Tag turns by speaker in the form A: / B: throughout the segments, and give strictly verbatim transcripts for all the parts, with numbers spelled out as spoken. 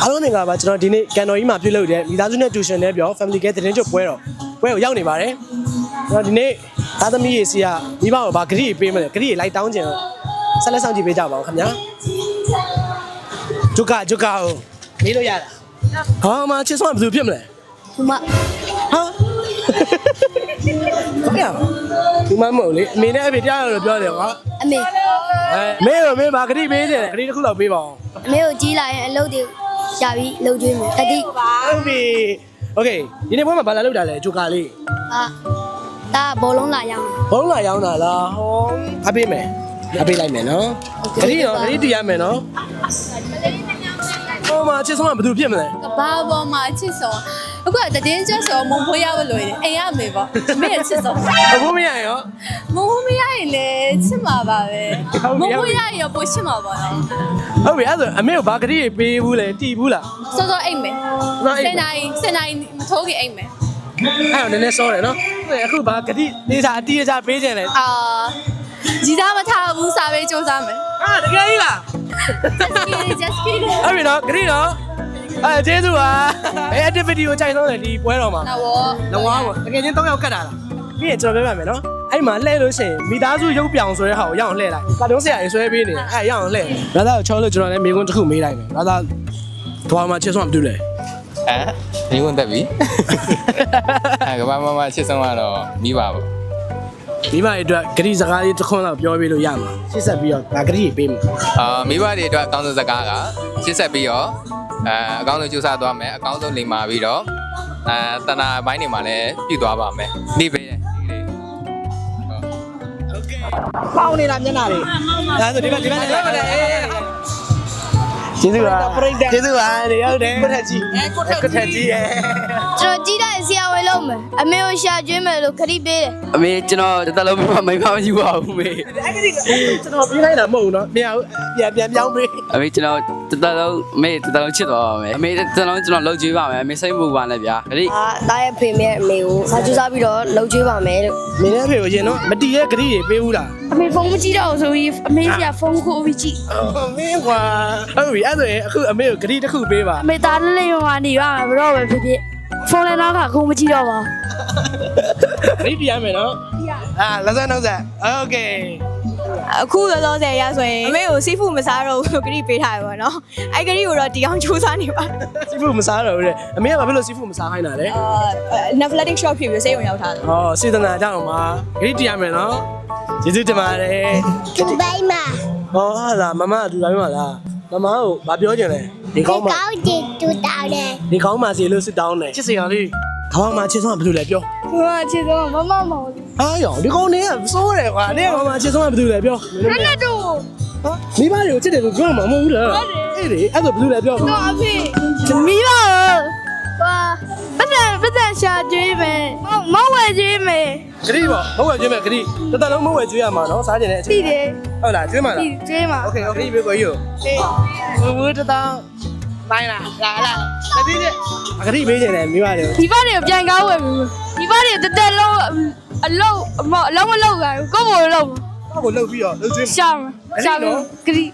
A: အားလုံးငါပါကျွန်တော်ဒီနေ့ကန်တော်ကြီးမှာပြုလုပ်တဲ့မိသားစုနဲ့တူရှင်နဲ့ပြော family care သတင်းချုပ်ပွဲတော့ပွဲကိုရောက်နေပါတယ်ကျွန်တော်ဒီနေ့သားသမီးရေစီကမိဘကိုဗာဂရိပေးမယ်ဂရိလိုက်တောင်းကြင်ဆက်လက်ဆောင်ကြည့်ပေးကြပါဦးခင်ဗျာဂျုကာဂျုကာကိုမေးလို့ရတာဟာမချစ်ဆုံးကဘယ်သူဖြစ်မလဲ
B: ဒီမှာ
A: ဟာဟုတ်ရဒီမမဟုတ်လေအမေနဲ့အဖေတရားလို့ပြောတယ်ကွာ
B: အမေ
A: အဲမေရောမေဗာဂရိပေးတယ်ဂရိတစ်ခုတော့ပေးပါအောင်
B: အမေကိုကြီးလာရင်အလုပ်တွေရပြီလုပ်ကျွေးမယ်တတိ
A: ဟုတ်ပြီโอเคဒီနေ့ဘွဲမှာဘာလာလောက်တာလဲဂျိုကာလေး
B: အာဒါဘောလုံးလာရောင်း
A: ဘောလုံးလာရောင်းတာလားဟောအပေးမယ်အပေးလိုက်မယ်နော်ဂရိရောဂရိတည်ရမယ်နော်ဟောမှာချစ်ဆုံးကဘယ်သူဖြစ်မလဲ
C: ကဘာပေါ်မှာချစ်ဆုံးအခုကတည်င်းကျွတ်ဆိုမုံဖိုးရလို့ရတယ်အိမ်ရမေပေါ့မေရဲ့ချစ်ဆုံး
A: မဖို့မရရော
C: မုံဖိုးမရရင်လည်းချစ်မှာပါပဲမုံဖိုးရရင်ပိုချစ်မှာပါတော့
A: ဟုတ်ပြီအဲ့ဆိုအမေကိုဘာဂရိပေးဘူးလဲတီးဘူးလား
C: စောစောအိမ်မယ်စင်နိုင်စင်နိုင်မထိုးခင်အိမ်မယ်
A: အဲ့တော့နည်းနည်းစောတယ်နော်အခုဘာဂရိနေစာအတီးအကြပေးခြင်းလဲ
C: အာကြီးသားမထားဘူးစာပေးစူးစမ်းမယ်
A: ဟာတကယ်ကြီးလား
C: just kidding
A: အဲ့ပြီနော်ဂရိနော်အဲကျေးဇူးပါအဲ activity ကိုကြိုက်ဆုံးတယ်ဒီပွဲတော်မှာ
C: နော်ဘော
A: လောပေါ့တကယ်ချင်း၃ယောက်ကတ်တာလားပြီးရင်ကျွန်တော်ပြောပြမယ်နော်အဲ့မှာလှည့်လို့ရှိရင်မိသားစုရုပ်ပြောင်ဆိုတဲ့ဟာကိုရအောင်လှည့်လိုက်ကာတွန်းဆရာကြီးဆွဲပေးနေအဲ့ရအောင်လှည့်ဘရာသာကိုချောလို့ကျွန်တော်လည်းမိကွန်းတစ်ခုမေးလိုက်မယ်ဘရာသာကဘာမှချစ်ဆုံးမတူလဲ
D: အဲမိကွန်းတက်ပြီအဲကဘာမှမချစ်ဆုံးကတော့မိပါဘူး
A: မိဘတွေအတွက်ဂရိစကားလေးတစ်ခွန်းလောက်ပြောပေးလို့ရမှာရှစ်ဆက်ပြီးတော့ဒါဂရိပေးမယ်
D: အာမိဘတွေအတွက်အကောင်းဆုံးစကားကရှစ်ဆက်ပြီးတော့အဲအကောင်းဆုံးကြိုးစားသွားမယ်အကောင်းဆုံးလိမ္မာပြီးတော့အဲတဏှာဘိုင်းတွေမှာလည်းပြည့်သွားပါမယ်နေပေးတယ်ဒီလေး
A: โอเคပေါင်းနေတာမျက်နှာလေးဒါဆိုဒီဘက်ဒီဘက်လည်းမလဲကျေးဇူးပါကျေးဇူးပါနေဟုတ်တယ်ကိုထက်ကြီးကိုထက်ကြီးရဲ့
B: ကျွန်တော်ကြီးတဲ့ဆရာဝန်လုပ်မယ်အမေကိုရှာကျွေးမယ်လို့ခရီးပေးတယ်
E: အမေကျွန်တော်တသက်လုံးမမိမမရှိပါဘူးမေ
A: အဲ့ဒီကျွန်တော်ပြေးလိုက်တာမဟုတ်ဘူးနော်ပြန်ပြန်ပြန်ပြောင်းပေး
E: အမေကျွန်တော်တသက်လုံးမေတသက်လုံးချစ်သွားပါမယ်အမေတသက်လုံးကျွန်တော်လှုပ်ကြွေးပါမယ်အမေစိတ်မပူပါနဲ့ဗျာခရီး
B: အာတားရဲ့ဖေမေအမေကိုစာကြိုးစားပြီးတော့လှုပ်ကြွေးပါမယ်လို့
A: မင်းရဲ့ဖေကိုရင်နော်မတီးရဲ့ဂရိတွေပေးဘူးလား
B: အမေဖုန်းမကြည့်တော့ဆိုပြီးအမေကဖုန်းကိုပြီးကြည့်
A: မင်းကွာဟုတ်ပြီအဲ့ဆိုရင်အခုအမေကိုဂရိတစ်ခုပေးပါ
B: အမေသားလေးလေးဟိုကနေရမှာဘတော့ပဲဖြစ်ဖြစ်ဖုန်းလည်းတော့ကခုမကြည့်တော့ပါ
A: ဂရိပြရမယ်နော်အာလက်ဆက်နှုတ်ဆက်โอเค
C: အခုလောလောဆယ်ရဆိုရင်အမေကိုစီးဖူးမစားတော့ဘူးဂရိပေးထားရပါတော့အဲ့ဂရိကိုတော့ဒီကောင်စူးစမ်းနေပါ
A: စီးဖူးမစားတော့ဘူးတဲ့အမေကဘာဖြစ်လို့စီးဖူးမစားခိုင်းတာလဲ
C: အာ Netflix shop ဖြစ်ပြီးစေးုံရောက်ထားတယ်
A: ဟောစေတနာကြောင့်ပါဂရိပြရမယ်နော်ကျေးဇူးတင်ပါတယ်
B: တူပိုင်းမှာ
A: ဟောဟာလားမမအတူတိုင်းမှာလားမမကိုဘာပြောချင်လဲဒီကောင်းမှာ
B: ကောင်းတယ်တူတောင်းတယ်
A: ဒီကောင်းမှာစီလို့စစ်တောင်းတယ်ချစ်စရာလေးခေါင်းမှာချစ်ဆုံးကဘယ်လိုလဲပြော
B: ဟာချစ်ဆုံးမမမဟုတ်
A: ဘူးဟာရောဒီကောင်းနေကစိုးတယ်ကွာနေခေါင်းမှာချစ်ဆုံးကဘယ်လိုလဲပြော
B: နက်နက်တို့
A: ဟာမိဘတွေကိုချစ်တယ်လို့ပြောမှာမဟုတ်ဘူးလားအေးလေအဲ့ဒါဘယ်လိုလဲပြော
B: တော့အဖေမိဘဟာပတ်စံပတ်စံရှာကျွေးမယ်မဝဲကျွေးမယ်
A: ဂရိပေါ့မဝဲကျွေးမယ်ဂရိတတလုံးမဝဲကျွေးရမှာနော်စားကြတဲ့အ
B: ချိန်သိတယ်
A: ဟုတ်လားကျွေးမှာလား
B: ကျွေးမှာ
A: โอเคโอเคပြေကိုယူဟေးဘူးတတောင်းပိုင်းလားလာလာတတိကျအဂရိပေးနေတယ်မိဘတွေ
B: မိဘတွေကိုပြန်ကောင်းဝယ်မိဘတွေတက်တက်လုံးအလုံးအမအလုံးမလုံးဘူးကိုယ့်ဘို့လုံး
A: ကိုယ့်ဘို့လုံးပြီးတော့လုံးကျွေး
B: ရှာရှာဂရိ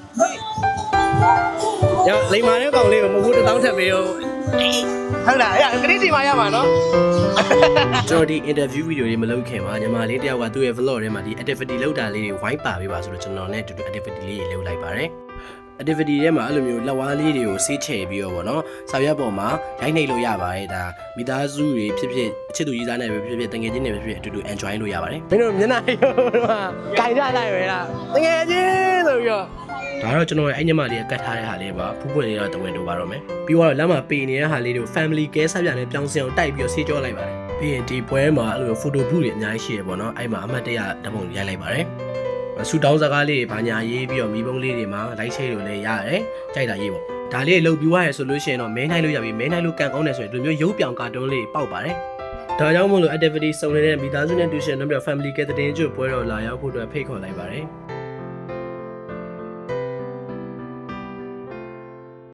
A: ရလိမ္မာတဲ့ကောင်လေးကိုမဟုတ်ဘူးတတောင်းထပ်ပေးဦးဟုတ်လားအဲ့ဂရိစီမရမှာနော်ကျွန်တော်ဒီ interview video လေးမလုပ်ခင်မှာညီမလေးတယောက်ကသူ့ရဲ့ vlog ထဲမှာဒီ activity လုပ်တာလေးတွေဝိုင်းပါပေးပါဆိုတော့ကျွန်တော်နဲ့အတူတူ activity လေးတွေလုပ်လိုက်ပါတယ် activity ထဲမှာအဲ့လိုမျိုးလက်ဝါးလေးတွေကိုဆေးချယ်ပြီးတော့ဗောနော်စာရွက်ပေါ်မှာရိုက်နှိပ်လို့ရပါတယ်ဒါမိသားစုတွေဖြစ်ဖြစ်ချစ်သူကြီးစားနဲ့ပဲဖြစ်ဖြစ်တငယ်ချင်းတွေပဲဖြစ်ဖြစ်အတူတူ enjoy လုပ်ရပါတယ်မင်းတို့မျက်နှာရိုးတော့ဂိုင်ရလိုက်ပဲလားတငယ်ချင်းဆိုပြီးတော့ဒါတော့ကျွန်တော်ရဲ့အဲ့ညမလေးကတ်ထားတဲ့ဟာလေးပါဖူးပွင့်လေးတော့တဝင်တို့ပါတော့မယ်ပြီးတော့လမ်းမှာပေနေတဲ့ဟာလေးတွေကို family care ဆက်ပြနဲ့ပြောင်းစင်အောင်တိုက်ပြီးတော့ဆေးကြောလိုက်ပါတယ်ပြီးရင်ဒီပွဲမှာအဲ့လို photo booth တွေအများကြီးရှိရပေါ့နော်အဲ့မှာအမှတ်တရဓာတ်ပုံရိုက်လိုက်ပါတယ်ဆူတောင်းစကားလေးဘာညာရေးပြီးတော့မိဘုံလေးတွေမှာလိုက်ချေလို့လည်းရတယ်ကြိုက်တာရေးပေါ့ဒါလေးလှုပ်ပြီးွားရဆိုလို့ရှိရင်တော့မဲနိုင်လို့ရပြီမဲနိုင်လို့ကန်ကောင်းတယ်ဆိုရင်ဒီလိုမျိုးရုပ်ပြောင်ကာတွန်းလေးပေါက်ပါတယ်ဒါကြောင့်မို့လို့ activity စုံနေတဲ့မိသားစုနဲ့တူရှင်တို့ပြ family care တဲ့တင်ကျွတ်ပွဲတော်လာရောက်ဖို့အတွက်ဖိတ်ခေါ်လိုက်ပါတယ်